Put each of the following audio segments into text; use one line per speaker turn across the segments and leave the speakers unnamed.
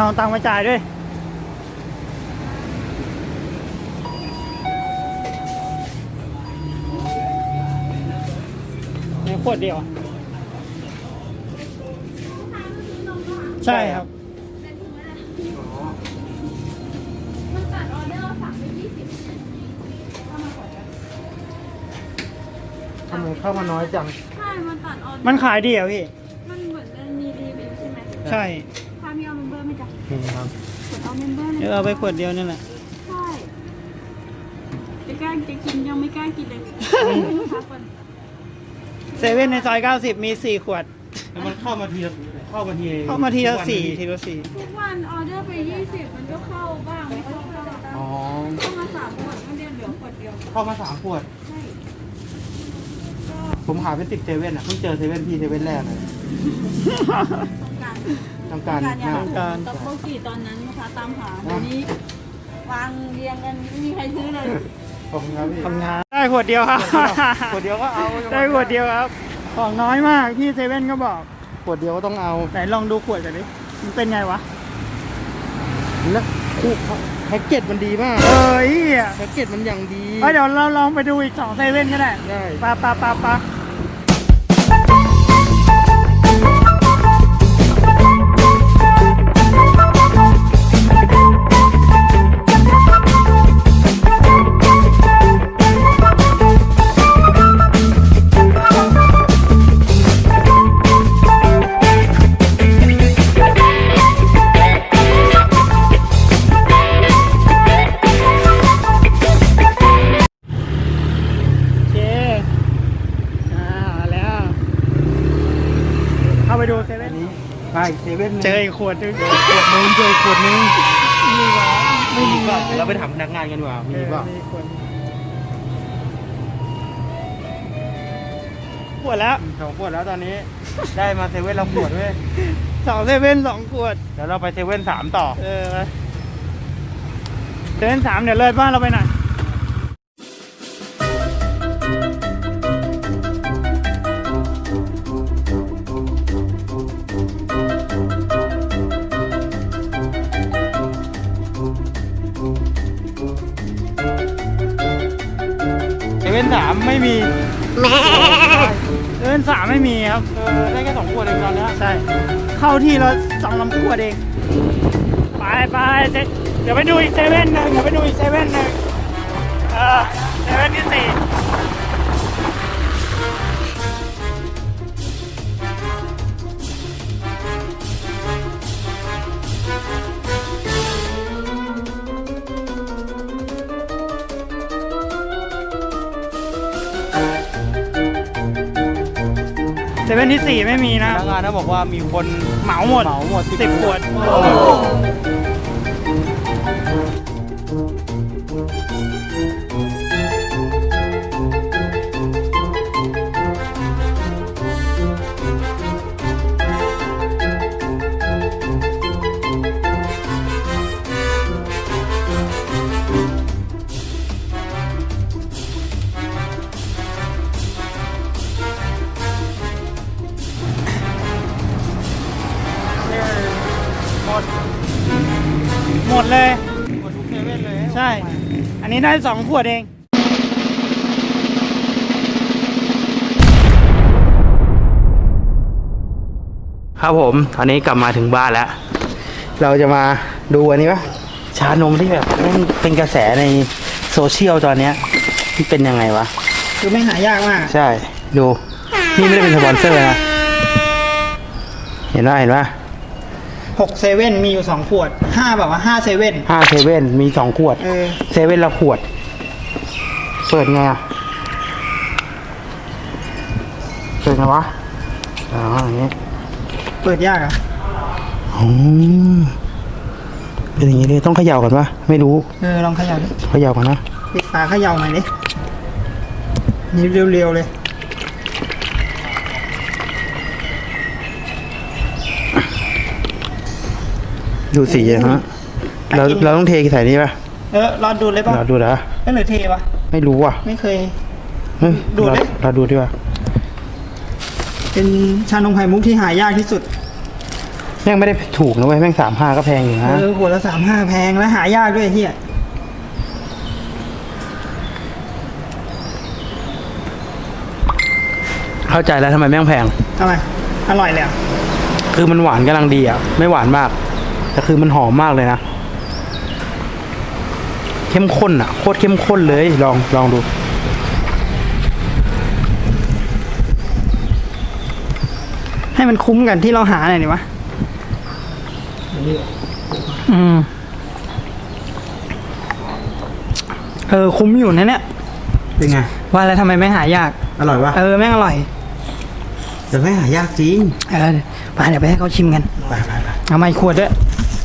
เอาตังค์มาจ่ายด้วยนี่ขวดเดียวใช่ครับ
มันตัดออเดอร์สั่งไป20
ทำไมเข้ามาน้อยจัง
ใช่มันตัดออเดอร์
มันขายดีเหรอพี่
มันเหมือนมันมีรีวิวใช่ไหม
ใช่
ถ้ามีเอาเมมเบอร์ไหม่จ้ะ
นี่ครับ
กดเอาเมมเบอร์เลย
เอาไปขวดเดียวนี่แหละ
ใช่จะกล้าจะกินยังไม่กล้ากินเลย
เซเว่นในซอย90มี4ขวด
แล้วมันเข้ามาทีละ
4ทีละ4
ทุกวันออเดอร์ไป20มันก็เข้าบ้างไม่เข้าบ้างเข้ามา3 ขวดก็เรียนเหลือขวดเดียว
เข้ามา3 ขวด
ใช่
ผมหาเป็น10 เซเว่นอ่ะเพิ่งเจอเซเว่นพี่เซเว่นแรกเลยต้องการ
ตับโบกี้ตอนนั้นลูกค้าตามหาเดี๋ยวนี้วางเรียงกันไม่มีใครซื้อเลย
ขอบคุณครับพี่
ทำงานได้ขวดเดียวครับ
ขวดเดียวก็เอา
ได้ขวดเดียวครับของน้อยมากพี่เซเว่นก็บอก
ขวดเดียวก็ต้องเอา
ไหนลองดูขวดกันดิมันเป็นไงวะ
แล้วแพ็กเกจมันดีมากแพ็กเกจมันอย่างดี
เดี๋ยวเราลองไปดูอีก2 เซเว่นก็ได้ปะไปดูเซเว่น
ไปเซเว่น
เจออีกขวดนึง
เจออีกขวดนึง
ไม่มี
ก็เราไปถามพนักงานกันดีกว่ามีป่ะ
ขวดแล้ว
2 ขวดแล้วตอนนี้ได้มาเซเว่นเราขวดด้วย
2 เซเว่น2 ขวด
เดี๋ยวเราไปเซเว่น3ต่อ
เซเว่น3เดี๋ยวเลยบ้านเราไปหน่อย
เซเว่น3ไม่มี
เซเว่น3ไม่มีครับ
ได้แค่2 ขวดเองตอนนี้
ใช่เข้าที่เรา2 ขวดเองไปเดี๋ยวไปดูอีกเซเว่นนึงเซเว่นที่4เซเว่นที่4ไม่มีนะ
พนักงานนะบอกว่ามีคน
เหมาหมด10 ขวดหมดเลย
หมดทุกเซเว่นเลย
ใช่อันนี้ได้2 ขวดเอง
ครับผมตอนนี้กลับมาถึงบ้านแล้วเราจะมาดูอันนี้ปะชานมที่แบบเป็นกระแสในโซเชียลตอนนี้ที่เป็นยังไงวะ
คือไม่หายากมาก
ใช่ดูนี่ไม่ได้เป็นสปอนเซอร์นะเห็นป่ะ
6 เซเว่นมีอยู่2 ขวด5แบบว่า5 เซเว่น
5 เซเว่นมี2 ขวดเซเว่นละขวดเปิดไงอ่ะเปิดไงวะอย่างนี้
เปิดยากอ่ะ
เป็นอย่างนี้เลยต้องเขย่าก่อนปะไม่รู้
ลองเขย่า
ก่อนนะ
ปิดฝาเขย่าหน่อยดินี่เร็วๆเลย
ดูสีฮะเราต้องเทใส่นี่ป่ะ
รอดูเลยป่ะ
รอดูนะ
ไม่หรือเทป่ะ
ไม่รู้อ่ะ
ไม่เคยดูเลย
เราดูดีกว่า
เป็นชานมไข่มุกที่หายากที่สุด
แม่งไม่ได้ถูกนะเว้ยแม่ง35ก็แพงอยู่นะ
ขวดละ35แพงและหายากด้วยเฮีย
เข้าใจแล้วทำไมแม่งแพง
ทำไมอร่อยเลยอะ
คือมันหวานกำลังดีอ่ะไม่หวานมากแต่คือมันหอมมากเลยนะเข้มข้นอ่ะโคตรเข้มข้นเลยลองดู
ให้มันคุ้มกันที่เราหาหน่อยดิวะคุ้มอยู่นะเนี่ย
เป็นไง
ว่าแล้วทำไมไม่หายาก
อร่อยปะ
แม่งอร่อย
แต่ไม่หายากจริง
ไปเดี๋ยวไปให้เขาชิมกัน
ไป
เอามาอีกขวดด้วย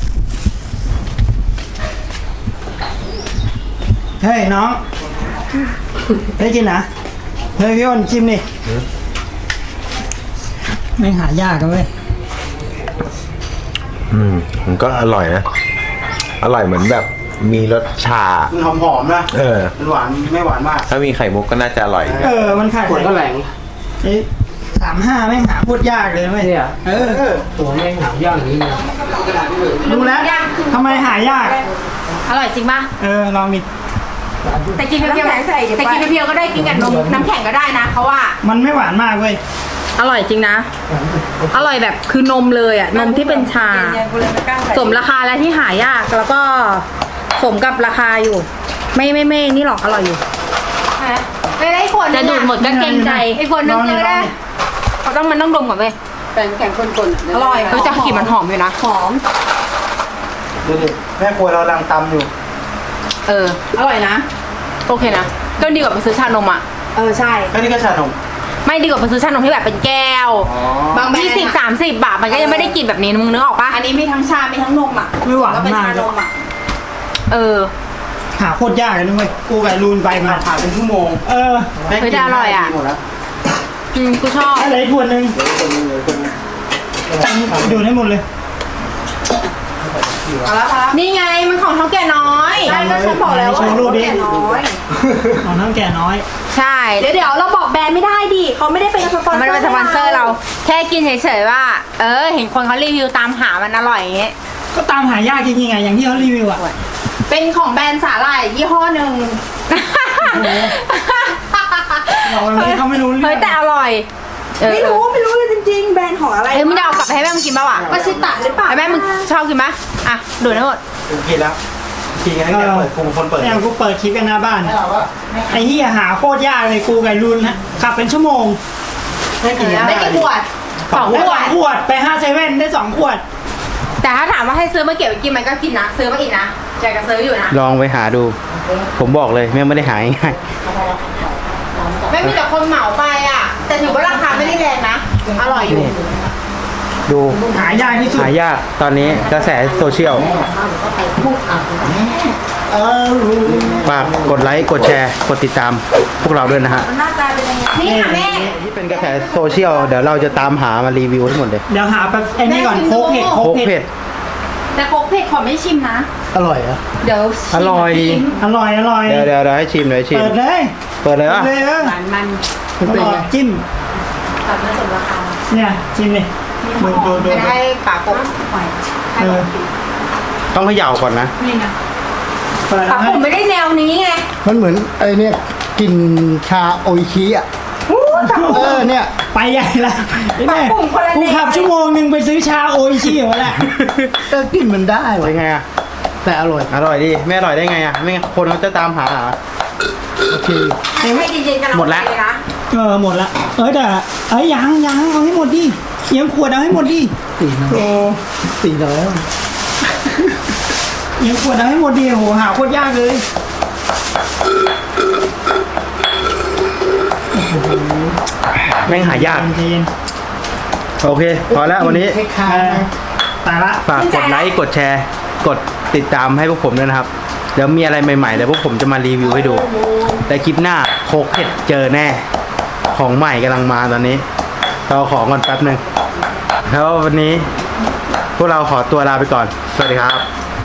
เฮ้ยน้องได้กินนะเฮ้ยพี่อ้นชิมดิไม่หายากกันเว้ย
มันก็อร่อยนะ อร่อยเหมือนแบบมีรสชา
มันหอมๆนะ มันหวานไม่หวานมาก
ถ้ามีไข่มุกก็น่าจะอร่อย
มันขาย
ขวดก็แรง
35ไม่งหาพูดยากเลยเว้ยตัวแม่งหายากอย่างนี้ดูแล้วทำไมหายาก
อร่อยจริงป่ะ
ลองดิ
แต่กินเพียวๆแต่กินเพียวๆก็ได้กินกับนมน้ำแข็งก็ได้นะเขาว่า
มันไม่หวานมากเว้ย
อร่อยจริงนะ อร่อยแบบคือนมเลยอ่ะนมที่เป็นชาสมราคาและที่หายากแล้วก็สมกับราคาอยู่ ไม่นี่หรอกอร่อยอยู่ไม่ได้คนจะดูดหมดก็เกรงใจไอ้คนนึงเลยได้เขาต้องมันต้องดมก่อนเว้ยแข็งคนๆอร่อยจะกลิ่นมันหอมอยู่นะหอม
ดูดิแม่ครัวเรากำลังตำอยู่
อร่อยนะโอเคนะก็ดีกว่าไปซื้อชานมอ่ะใช่
ก็นี่ก็ชานม
ไม่ดีกว่าไปซื้อชานมที่แบบเป็นแก้วบาง20-30 บาทมันก็ยังไม่ได้กินแบบนี้มึงนึกออกปะอันนี้มีทั้งชา มีทั้งนมอ่ะ
ไม่หวาน
ก็เป็น
มาก
ชานมอ่ะ
หาโคตรยากเลยนะเว้ยกูกับลูนไปมา
ผ่านเป็นชั่วโมง
เฮ้ยแต่อร่อยอ่ะ
หมดแล้ว
กูชอบ
อะไรขวดหนึ่งดูดให้หมดเลย
นี่ไงมันของเท่าแก่น้อยใช่ก็ฉันบอกแล้วว่าของเท่าแก่น้อย
ของน้ำแก่น้อย
ใช่เดี๋ยวเราบอกแบรนด์ไม่ได้ดิเขาไม่ได้เป็นสปอนเซอร์ไม่ได้เป็นสปอนเซอร์เราแค่กินเฉยๆว่าเห็นคนเขารีวิวตามหามันอร่อยอย่างเงี้ย
ก็ตามหายากจริงๆไงอย่างที่เขารีวิวอ่ะ
เป็นของแบรนด์สาหร่ายยี่ห้อหนึ่ง
เขาไม่รู้เรื่อง
เฮ้ยแต่อร่อยไม่รู้เลยจริงๆแบรนด์ของอะไรมึงจะเอากลับไปให้แม่มึงกินป่าวอ่ะก็ชิตะหรือเปล่าแม่มึงชอบกินไหมอ่ะดูทั้งหมด
กินแล้วกินกันตั้งแต่เปิดกูคนเปิด
เนี่ยกูเปิดคลิปกันหน้าบ้านไอ้เหี้ยหาโคตรยากเลยกูกับลูนขับเป็นชั่วโมง
ได้กี่ขวด2
ขวดไป5 เซเว่นได้2 ขวด
แต่ถ้าถามว่าให้ซื้อมาเก็บไว้กินมันก็กินนะซื้อมาอีกนะใจก็ซื้ออยู่นะ
ลองไปหาดู ผมบอกเลยแม่งไม่ได้หาง่าย
ไม่มีแต่คนเหมาไปอ่ะแต่ถือว่าราคาไม่ได้แรงนะอร่อยอยู่
ดู
หายากที่สุด
หายากตอนนี้กระแสโซเชียลฝากกดไลค์กดแชร์กดติดตามพวกเราด้วยนะฮะ
หน้าตาเป็นยังไงนี่ค่ะแม่
ที่เป็นกระแสโซเชียลเดี๋ยวเราจะตามหามารีวิวทั้งหมดเลย
เดี๋ยวหาแบบไอ้นี่ก่อนโคกเผ็ด
โคกเผ็ด
แต่โคกเผ็ดขอไม่ชิมนะ
อร่อยเหรอ
เดี๋ยว
อร่อย
อร่อย
เดี๋ยวให้ชิมเดี๋ยวให้ชิม
เปิดเลย
เปิดเลยวะ
เลย
มัน
อร่อยจิ้ม
ตัดมาสมราคา
เนี่ยจิ้มเลยดู
ไม่ได้ปากกบปล่อย
ต้องเขย่าก่อนนะ
นี่นะ
เปิด
ปากผมไม่ได้แนวนี้ไง
มันเหมือนไอ้เนี่ยกลิ่นชาโออิชิอ่ะเนี่ย
ไปใหญ่ละแม่กูขับชั่วโมงนึงไปซื้อชาโออิชิเหรอแหละ
กลิ่นมันได้
เป็
วะ
นไงอ่ะ
แต่อร่อย
อร่อยดิไม่อร่อยได้ไงอ่ะไม่งั้นคนเขาจะตามหาเหรอ
โอเค
ให้จริงๆกัน
หมดแล้ว
นะ
หมดละแต่ยังเอาให้หมดดิเยี่ยมขวดเอาให้หมดดิ
400
เยี่ยมขวดเอาให้หมดดิโหหาโคตรยากเลย
แม่งหายาก
ใจเย็น
โอเค พอแล้ววันนี้
ตายละ
ฝากกดไลค์กดแชร์กดติดตามให้พวกผมด้วยนะครับเดี๋ยวมีอะไรใหม่ๆเดี๋ยวพวกผมจะมารีวิวให้ดูแต่คลิปหน้าโคกเผ็ดเจอแน่ของใหม่กำลังมาตอนนี้เราของก่อนแป๊บหนึ่งแล้ววันนี้พวกเราขอตัวลาไปก่อนสวัสดีครับ